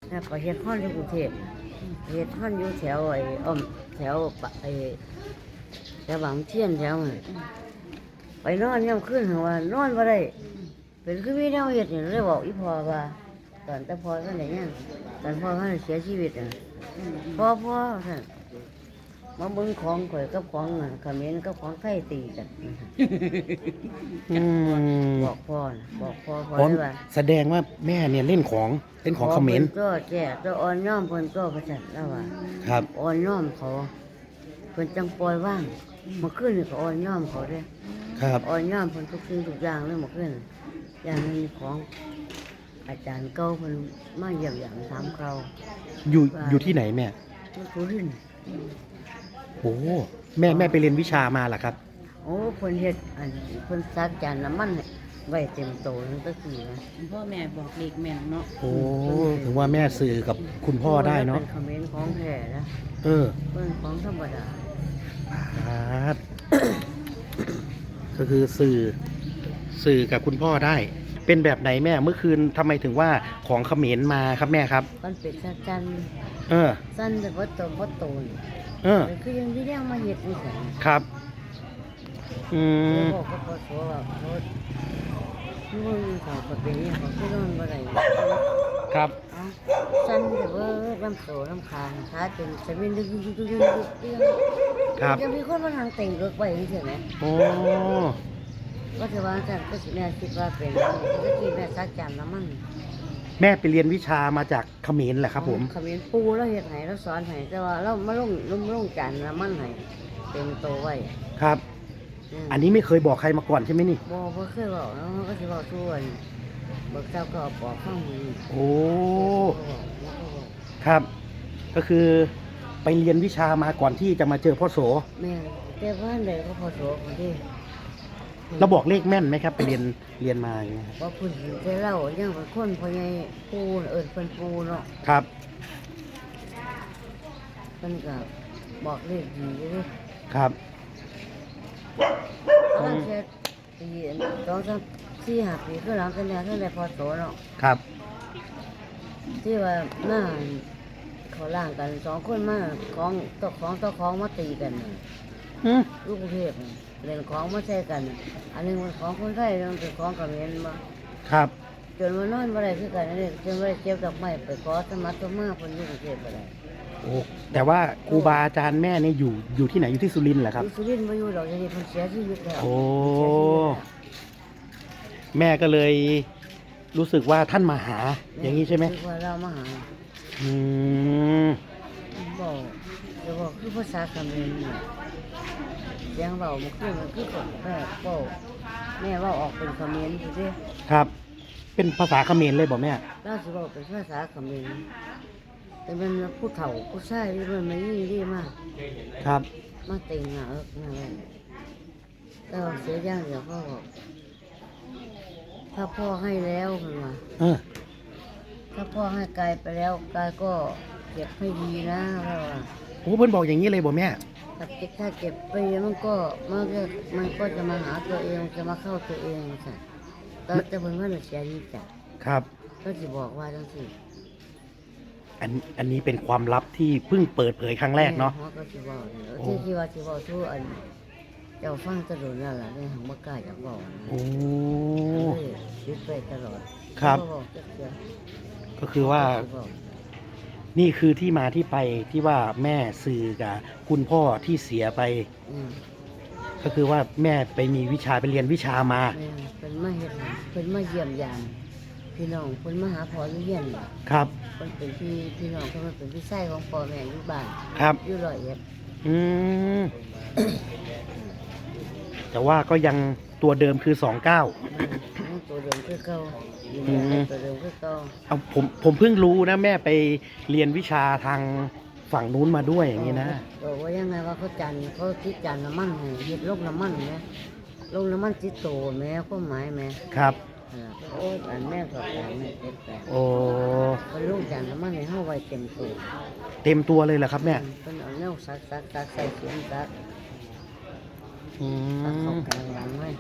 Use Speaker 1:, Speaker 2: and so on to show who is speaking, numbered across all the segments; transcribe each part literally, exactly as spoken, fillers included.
Speaker 1: แล้วก็เฮ็ดฮ้อนอยู่กรุงเทพเฮ็ดฮ้อนอยู่แถวไอ้อ้อมแถวปะไอ้แถวบางเทียนแถวนั้นไปนอนยามคืนหัว่านอนบ่ได้เป็นคือมีแนวเฮ็ดนี่เลยบอกอีพ่อว่าตอนแต่พ่อท่านได้ยังตอนพ่อท่านเสียชีวิตน่ะพ่อพ่อท่านมาเบิ่งของข่อยกับของน่ะเขมรกับของไทยตีกัน
Speaker 2: อืม
Speaker 1: บอกพ่อน่ะบอกพ่อพ่อ
Speaker 2: ผม
Speaker 1: เลยว่า
Speaker 2: แสดงว่าแม่เนี่ยเล่นของเล่นของเขมร
Speaker 1: พิ่นก็แก่ตัวอ่อนน้อมเพิ่นก็ประจันแล้วว่า
Speaker 2: ครับ
Speaker 1: อ่อนน้อมเขาเพิ่นจังปล่อยว่างเมื่อคืนนี่ก็อ่อนน้อมเขาเด้
Speaker 2: ครับ
Speaker 1: อ่อนน้อมเพิ่นทุกสิ่งทุกอย่างเลยเมื่อคืนอย่างหนึงของอาจารย์เก่าเพิ่นมาเยี่ยมอย่างถามเขา
Speaker 2: อยู่อยู่ที่ไหนแม่
Speaker 1: ที่สุรินทร์
Speaker 2: โอ้แม่แม่ไปเรียนวิชามาเหรอครับ
Speaker 1: โอ้เพิ่นเฮ็ดอันเพิ่นซักจานน้ำมันให้ไว้เต็มโตนั่นก็คือนะ
Speaker 3: พ่อแม่บอกเด็กแม่นเนาะ
Speaker 2: โอ้ถึงว่าแม่สื่อกับคุณพ่อได้เนาะ
Speaker 1: เป็นคอมเขมนต์ของแท้นะ
Speaker 2: เออ
Speaker 1: เพิ่นของธรรมดา
Speaker 2: ครับ ก็คือสื่อสื่อกับคุณพ่อได้ เป็นแบบไหนแม่เมื่อคืนทำไมถึงว่าของเขมรมาครับแม่ครับ
Speaker 1: มันเป็นซักจัน
Speaker 2: เออ
Speaker 1: สั้นแต่ว่าโตบ่โตนี่
Speaker 2: เออ
Speaker 1: แต่คือยังที่เรียกมาเฮ็ดนี่ซั่น
Speaker 2: ครับ อืม
Speaker 1: บอกก็พอสัวว่าเขาลูกเขาก็เป็นนี่เขาคือนอนบ่ได้
Speaker 2: ครับ
Speaker 1: เอ้าสั้นแต่ว่าลำโตลำคางขาจนจะเป็นดึกดึกดึกดึกดึก
Speaker 2: ครับ
Speaker 1: จะมีคนมาทางแต่งเกิกไว้จังซี่แหม
Speaker 2: โอ้
Speaker 1: ก็จะว่าซั่นก็สิแม่คิดว่าเป็นก็คิดแม่ซักจานน้ำมัน
Speaker 2: แม่ไปเรียนวิชามาจากเขมรแหละครับผม
Speaker 1: เขมิ้นปูแล้วเฮ็ดให้แล้วสอนให้แต่ว่าเรามาลงลงลงจานน้ำมันให้เต็มโตไว้
Speaker 2: ครับ
Speaker 1: ม
Speaker 2: อันนี้ไม่เคยบอกใครมาก่อนใช่ไหมนี่
Speaker 1: บ่บ่เคยบอกแล้วมันก็สิบอกทุกวันเบิกเจ้าก็เอาปอกข้างมือ
Speaker 2: โอ้
Speaker 1: เขาบอกแล้วก็บอก
Speaker 2: ครับ ก็คือไปเรียนวิชามาก่อนที่จะมาเจอพ่อโส
Speaker 1: แม่แต่ว่าใดก็พอโสคนที่
Speaker 2: เราบอกเลขแม่นไหมครับ ไปเรียนเรียนมาอย่างเงี้ยครับ
Speaker 1: ว่าเพิ่นจะเล่ายังเป็นคนพ่อใหญ่ปูเอิ้นเพิ่นปูเนาะ
Speaker 2: ครับ
Speaker 1: เพิ่นก็บอกเลขดีอยู่เด้
Speaker 2: ครับ
Speaker 1: ตอนเช็ดปีสองสามสี่ห้าปีคือหลังกันแล้วตั้งแต่พอโสเนาะ
Speaker 2: ครับ
Speaker 1: ที่ว่ามาเขาล่างกันสองคนมาของตกของตกของมาตีกันน่ะ
Speaker 2: อืม
Speaker 1: ลูกกรุงเทพน่ะเล่นของมาใช้กันน่ะอันหนึงเป็นของคนไทยอันหนึงเป็นของเขมรบ่
Speaker 2: ครับ
Speaker 1: จนวันนอนบ่ได้คือกันอันนี้จนบ่ได้เก็บดอกไม้ไปขอสมัครสมาเพิ่นอยู่กรุงเทพบ่ได้
Speaker 2: โอ้แต่ว่าครูบาอาจารย์แม่เนี่ยอยู่อยู่ที่ไหนอยู่ที่สุรินทร์เหรอครับ
Speaker 1: อยู่สุรินทร์บ่อยู่ดอกเดี๋ยวนี้เพิ่นเสียชีวิตแล้ว
Speaker 2: โอ้
Speaker 1: เสียชีวิตแล้ว
Speaker 2: แม่ก็เลยรู้สึกว่าท่านมาหา อย่างนี้ใช่ไหม
Speaker 1: คือว่าเรามาหา
Speaker 2: อืม
Speaker 1: บอกจะบอกคือภาษาเขมรนี่เสียงเว้ามันคือมันคือคนแม่เว้าแม่เว้าออกเป็นเขมรซื่อเด้
Speaker 2: ครับ เป็นภาษาเขมรเลยบอกแม่
Speaker 1: เราสิบอกเป็นภาษาเขมรแต่มันผู้เฒ่าผู้ชายที่มันมายี่ดีมาก
Speaker 2: ครับ
Speaker 1: มาเต็งหน้าเอิกหน้าไว้แต่ว่าเสียอย่างเดียวพ่อบอกถ้าพ่อให้แล้วเพิ่นว่า
Speaker 2: เออ
Speaker 1: ถ้าพ่อให้กายไปแล้วกายก็เก็บให้ดีนะพ่อว่า
Speaker 2: โอ้เพิ่นบอกอย่างนี้เลยบอกแม่
Speaker 1: ถ้าเก็บถ้าเก็บไปมันก็มันก็มันก็จะมาหาตัวเองจะมาเข้าตัวเองจ้ะตอนจะเพิ่นว่าเสียดีจ้ะ
Speaker 2: ครับ
Speaker 1: ก็สิบอกว่าจังซี่
Speaker 2: อันอันนี้เป็นความลับที่เพิ่งเปิดเผยครั้งแรกเนาะ
Speaker 1: แม่ก็สิบอกเนี่ย
Speaker 2: โอ้
Speaker 1: ที่ที่ว่าสิบอกทุกอันเจ้าฟังตลอดนั่นล่ะในหังบ่กล้าจะบอกนะ
Speaker 2: โอ้
Speaker 1: เออคิดไปตลอด
Speaker 2: ครับ
Speaker 1: บ่บอกจักเทื่อ
Speaker 2: ก็คือว่า
Speaker 1: สิบอก
Speaker 2: นี่คือที่มาที่ไปที่ว่าแม่สื่อกับคุณพ่อที่เสียไป
Speaker 1: อืม
Speaker 2: ก็คือว่าแม่ไปมีวิชาไปเรียนวิชามา
Speaker 1: แม่เป็นมาเฮ็ดให้เพิ่นมาเยี่ยมยามพี่น้องเพิ่นมาหาพ่ออยู่เฮียนน่ะ
Speaker 2: ครับ
Speaker 1: เพิ่นเป็นพี่พี่น้องเพิ่นมาเป็นพี่ชายของพ่อแม่อยู่บ้าน
Speaker 2: ครับ
Speaker 1: อยู่ร้อยเอ็ด
Speaker 2: อืม แต่ว่าก็ยังตัวเดิมคือสองเก้า
Speaker 1: อืมตัวเดิมคือเก่าอยู่
Speaker 2: อืม
Speaker 1: ตัวเดิมคือเก่า
Speaker 2: เอาผมผมเพิ่งรู้นะแม่ไปเรียนวิชาทางฝั่งนู้นมาด้วยอย่างนี้นะ
Speaker 1: บอกว่ายังไงว่าเขาจันเขาคิดจันน้ำมันให้เฮ็ดโลกน้ำมันแหมโลกน้ำมันจิตโตแหม่ความหมายแหม่
Speaker 2: ครับ
Speaker 1: อ่าโอ้ยอันแม่ก็แปลแม่เต็มแปล
Speaker 2: โอ้
Speaker 1: เพิ่นลงจันน้ำมันให้เฮาไว้เต็มตัว
Speaker 2: เต็มตัวเลยเหรอครับแม่
Speaker 1: เพิ่นเอาแนวซักซักซักใส่เขียนซัก
Speaker 2: อื
Speaker 1: ซักเข้าม กลางหลังไว้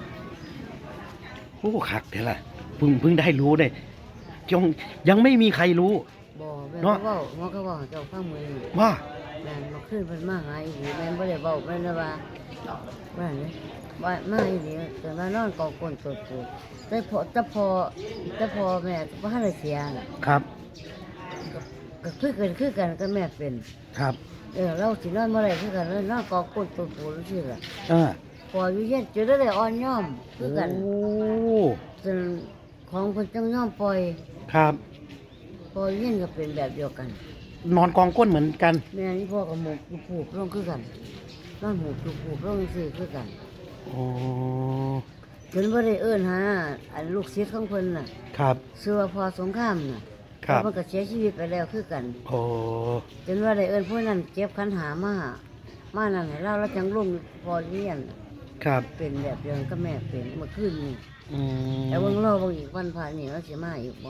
Speaker 2: โอ้คักเดี๋ยวล่ะเพิ่งเพิ่งได้รู้เลยยังยังไม่มีใครรู้
Speaker 1: บ่แม่
Speaker 2: เนาะ
Speaker 1: ก็เว้าหมอก็เว้าให้เจ้าฟังมื้อนี้
Speaker 2: ว่า
Speaker 1: แม่นมาขึ้นเพิ่นมาหาอีหลีแม่นบ่ได้เว้าแม่นเลยว่าว่าอันนี้ว่ามาอีหลีเกิดมานอนกองก้นตัวปูแต่พอแต่พอแต่พอแม่บ่ทันได้เสียน่ะ
Speaker 2: ครับ
Speaker 1: ก็คือกันคือกันก็แม่เป็น
Speaker 2: ครับ
Speaker 1: เออเราสินอนบ่ได้คือกันเลยนอนกองก้นตัวปูจังซี่ล่ะ
Speaker 2: เออ
Speaker 1: พออยู่เย็นจะได้อ่อนย่อมคือกัน
Speaker 2: โอ้
Speaker 1: จนของเพิ่นจังย่อมปล่อย
Speaker 2: ครับ
Speaker 1: พออยู่เย็นก็เป็นแบบเดียวกัน
Speaker 2: นอนกองก้นเหมือนกัน
Speaker 1: แม่นี่พ่อกับหมูผูกลงคือกันนอนหมูผูกลงซื่อคือกัน
Speaker 2: โอ้
Speaker 1: เพิ่นบ่ได้เอิ้นหาอันลูกศิษย์ของเพิ่นน่ะ
Speaker 2: ครับ
Speaker 1: ชื่อว่าพ่อสงครามน่ะ
Speaker 2: ครับ
Speaker 1: แล้วมันก็เสียชีวิตไปแล้วคือกัน
Speaker 2: โอ้
Speaker 1: จนว่าได้เอิ้นผู้นั้นเก็บขันหามามานั่นให้เราแล้วจังลงพอเรียน
Speaker 2: ครับ
Speaker 1: เป็นแบบเดียวกันกับแม่เป็นเมื่อคืนนี้
Speaker 2: อืม
Speaker 1: แต่เบิ่งรอเบิ่งอีกวันพระนี่เราสิมาอีกบ่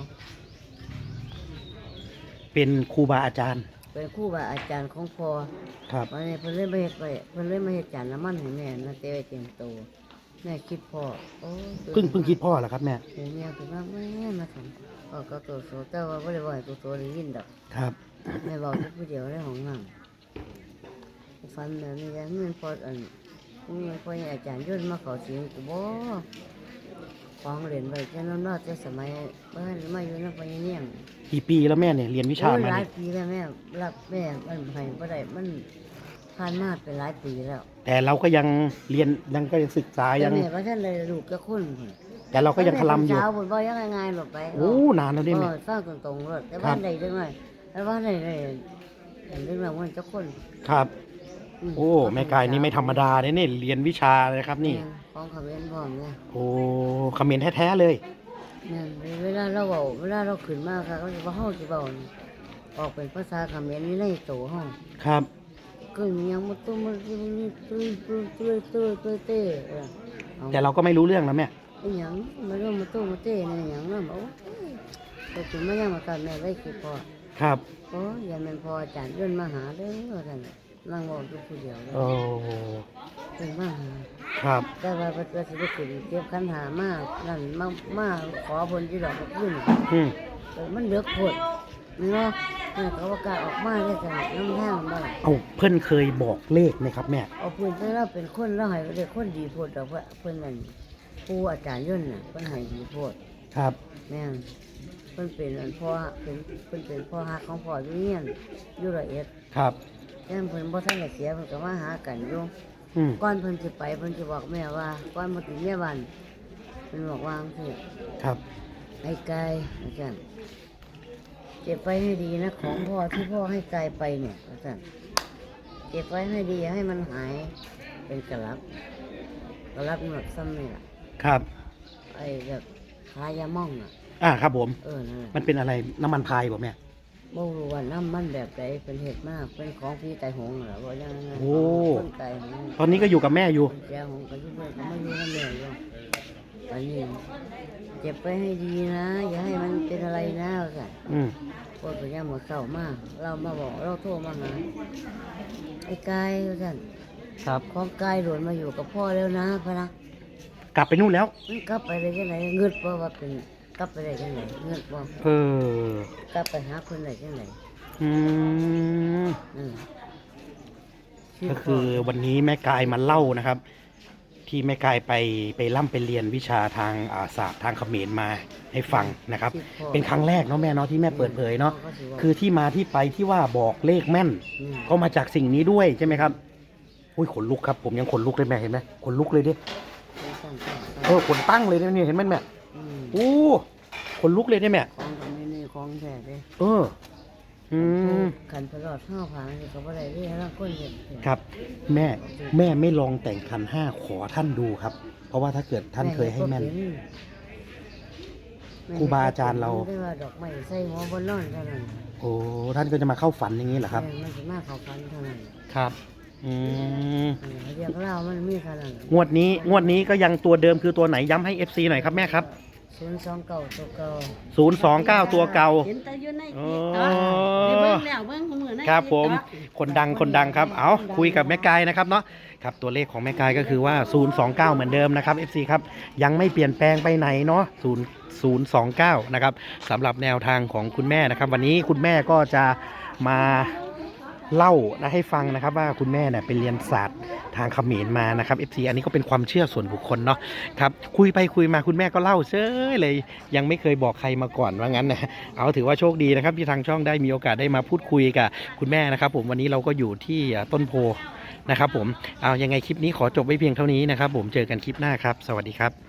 Speaker 2: เป็นครูบาอาจารย์
Speaker 1: เป็นครูบาอาจารย์ของพ่อ
Speaker 2: ครับ
Speaker 1: วันนี้เพิ่นเลยมาเฮ็ดไว้เพิ่นเลยมาเฮ็ดจานน้ำมันให้แม่นะเตไว้เต็มโตแม่คิดพ่อโอ้ย
Speaker 2: เพิ่งเพิ่งคิดพ่อเหรอครับแม่
Speaker 1: เดี๋ยวแม่คิดว่าแม่มาทำพ่อก็ตัวโสแต่ว่าบ่ได้บ่ให้ตัวโสได้ยินดอก
Speaker 2: ครับ
Speaker 1: แม่บอกแต่ผู้เดียวในห้องน้ำฟันแบบนี้แล้วเงินพออันเงินพออาจารย์ย่นมาเขาสิงกูบ่ของเรียนไว้แค่นั้นเนาะแต่สมัยบ้านมาอยู่นำพญาเนียง
Speaker 2: กี่ปีแล้วแม่เนี่ยเรียนวิชา
Speaker 1: โอ้ย
Speaker 2: มา
Speaker 1: หลาย
Speaker 2: เนี่ย
Speaker 1: ปีแล้วแม่รับแม่มันให้บ่ได้มันผ่านมาเป็นหลายปีแล้ว
Speaker 2: แต่เราก็ยังเรียนยังก็ยังศึกษา
Speaker 1: แต่
Speaker 2: ยัง
Speaker 1: แม่ว่าท่านเลยลูกก็คนพุ่น
Speaker 2: แต่เราก็ยังคลำอยู่
Speaker 1: เช้าพุ่นบ่ยังง่ายๆหลบไป
Speaker 2: โอ้นานแล้วนี่
Speaker 1: เอ
Speaker 2: แม่
Speaker 1: อฟังตรงๆรถแต่
Speaker 2: ครั
Speaker 1: ว่า
Speaker 2: บ
Speaker 1: ใดจังได๋แต่ว่าใดได้เห็นเรื่องมันจักคน
Speaker 2: ครับ
Speaker 1: ม
Speaker 2: โอ้แม่กายนี่ไม่ธรรมดาเนี่ยนี่เรียนวิชาเลยครับนี่
Speaker 1: แม่ของเขาเป็นพร้อมเนี่ย
Speaker 2: โอ้เขมรแท้ๆเลย
Speaker 1: แม่นเวลาเราเว้าเวลาเราขึ้นมาค่ะเขาสิว่าเฮาสิเว้านี่ออกเป็นภาษาเขมรนี่ในโตเฮา
Speaker 2: ครับ
Speaker 1: ก็ยังมาตุ้มมาตุ้มตุ้มตุ้มตุ้มตุ้มตุ้มเต้เออเอา
Speaker 2: แต่เราก็ไม่รู้เรื่องแล้วแม่
Speaker 1: ไอ้หยังมาเรื่องมาตุ้มมาเต้นี่หยังเนาะโอ้ยก็ถึงมายังมาตอนแม่ได้คิดพอ
Speaker 2: ครับ
Speaker 1: โอ้ยอย่าแม่นพออาจารย์เดินมาหาเด้อว่าซั่นนั่งเว้าอยู่ผู้เดียวเลย
Speaker 2: โอ้
Speaker 1: เดินมาหา
Speaker 2: ครับ
Speaker 1: แต่ว่าเพิ่นก็สิได้ขึ้นเก็บขันหามานั่นมามาขอเพิ่นอยู่ดอกขึ้น
Speaker 2: อืม
Speaker 1: เออมันเหลือโพดเนาะแม่ก็ว่ากล้าออกมาได้จังน้ำทางบ่ล่ะ
Speaker 2: เอาเพิ่นเคยบอกเลขไหมครับแม่
Speaker 1: เอาเพิ่นแต่เราเป็นคนเราให้ได้คนดีโพดดอกว่าเพิ่นนั่นครูอาจารย์ย่นน่ะเพิ่นให้ดีโพด
Speaker 2: ครับ
Speaker 1: แม่นเพิ่นเป็นอันพ่อเป็นเพิ่นเป็นพ่อฮักของพ่ออยู่เรียนอยู่ร้อยเอ็ด
Speaker 2: ครับ
Speaker 1: แต่เพิ่นบ่ทันได้เสียเพิ่นก็มาหากันอยู่
Speaker 2: อืม
Speaker 1: ก่อนเพิ่นสิไปเพิ่นสิบอกแม่ว่าก่อนมาถึงแม่บ้านเพิ่นบอกว่าจังซี่
Speaker 2: ครับ
Speaker 1: ไอ้ไก่อาจารย์เก็บไว้ให้ดีนะของพ่อที่พ่อให้ไก่ไปเนี่ยอาจารย์เก็บไว้ให้ดีอย่าให้มันหายเป็นกระลับกระลับหนวดซ้ำนี่ล่ะ
Speaker 2: ครับ
Speaker 1: ไอ้แบบขายาม่องอ่ะ
Speaker 2: อ่าครับผม
Speaker 1: เออนั่นแหละ
Speaker 2: มันเป็นอะไรน้ำมันพายบ่แม่
Speaker 1: บ่รู้ว่าน้ำมันแบบใดเป็นเห็ดมากเป็นของพี่ไตหงเหรอว่ายังไง
Speaker 2: โอ้
Speaker 1: คนไตหง
Speaker 2: ตอนนี้ก็อยู่กับแม่อยู่
Speaker 1: แจหงก็อยู่ด้วยก็ไม่อยู่นั่นเลยอยู่อันนี้เก็บไว้ให้ดีนะ อย่าให้มันเป็นอะไรนะว่าซั่น
Speaker 2: อืม
Speaker 1: พวกตัวย่าหมดเศร้ามาก เรามาบอกเราโทรมาหาไอ้กายว่าท่าน
Speaker 2: ครับ
Speaker 1: ของกายหลวนมาอยู่กับพ่อแล้วนะพะนะ
Speaker 2: กลับไปนู่นแล้ว
Speaker 1: มันกลับไปได้ยังไงเงินบ่ว่าเป็นกลับไปได้ยังไงเงินบ่
Speaker 2: เออ
Speaker 1: กลับไปหาคนได้ยังไง
Speaker 2: อืม
Speaker 1: อืม
Speaker 2: ก็คือวันนี้แม่กายมาเล่านะครับ ที่แม่กายไปไปร่ำไปเรียนวิชาทางอาศาสตร์ทางเขมรมาให้ฟังนะครับ เป็นครั้งแรกเนาะแม่เนาะที่แม่เปิดเผยเนาะคือที่มาที่ไปที่ว่าบอกเลขแม่น
Speaker 1: ม
Speaker 2: ก็มาจากสิ่งนี้ด้วยใช่ไหมครับอุ้ยขนลุกครับผมยังขนลุกเลยแม่เห็นไหมขนลุกเลยดิ
Speaker 1: ตั้งๆ
Speaker 2: เออขนตั้งเลยเนี่ยเห็นไหมแม่
Speaker 1: อืม
Speaker 2: โอ้ขนลุกเลยเนี่ยแม่
Speaker 1: ของตรงนี้นี่ของแท้เด้
Speaker 2: เออ อืม
Speaker 1: ขันตลอดห้าพันนี่ก็บ่ได้เรียกร่างคนเห็น
Speaker 2: ครับ แม่แม่ไม่ลองแต่งขันห้าขอท่านดูครับ เพราะว่าถ้าเกิดท่านเคยให้แม่น ครูบาอาจารย์เรา
Speaker 1: ได้ว่าดอกไม้ใส่หัวบนนอนเท่านั้น
Speaker 2: โอ้ท่านก็จะมาเข้าฝันอย่างนี้เหรอครับ
Speaker 1: แม่นมันสิมาเข้าฟันเท่านั้น
Speaker 2: ครับ อืม
Speaker 1: เออเรียกเล่ามันมีเท่านั้น
Speaker 2: งวดนี้งวดนี้ก็ยังตัวเดิมคือตัวไหนย้ำให้ เอฟ ซี หน่อยครับแม่ครับ
Speaker 1: ศูนย์สองเก้าตัวเก่า
Speaker 2: ศูนย์สองเก้าตัวเก่า
Speaker 3: เห็นแต่อยู่ใน
Speaker 2: อ๋อ
Speaker 3: คลิปเนาะได้เบิ่งแล้วเบิ่งของมือ
Speaker 2: ครับผมคนดังคนดังครับเอาคุยกับแม่กายนะครับเนาะครับตัวเลขของแม่กายก็คือว่าศูนย์ สอง เก้าเหมือนเดิมนะครับ เอฟ ซี ครับยังไม่เปลี่ยนแปลงไปไหนเนาะศูนย์ ศูนย์ สอง เก้านะครับสำหรับแนวทางของคุณแม่นะครับวันนี้คุณแม่ก็จะมาเล่านะให้ฟังนะครับว่าคุณแม่เนี่ยไปเรียนศาสตร์ทางเขมรมานะครับ เอฟ ซี อันนี้ก็เป็นความเชื่อส่วนบุคคลเนาะครับคุยไปคุยมาคุณแม่ก็เล่าเฉยเลยยังไม่เคยบอกใครมาก่อนว่างั้นนะเอาถือว่าโชคดีนะครับที่ทางช่องได้มีโอกาสได้มาพูดคุยกับคุณแม่นะครับผมวันนี้เราก็อยู่ที่ต้นโพนะครับผมเอายังไงคลิปนี้ขอจบไว้เพียงเท่านี้นะครับผมเจอกันคลิปหน้าครับสวัสดีครับ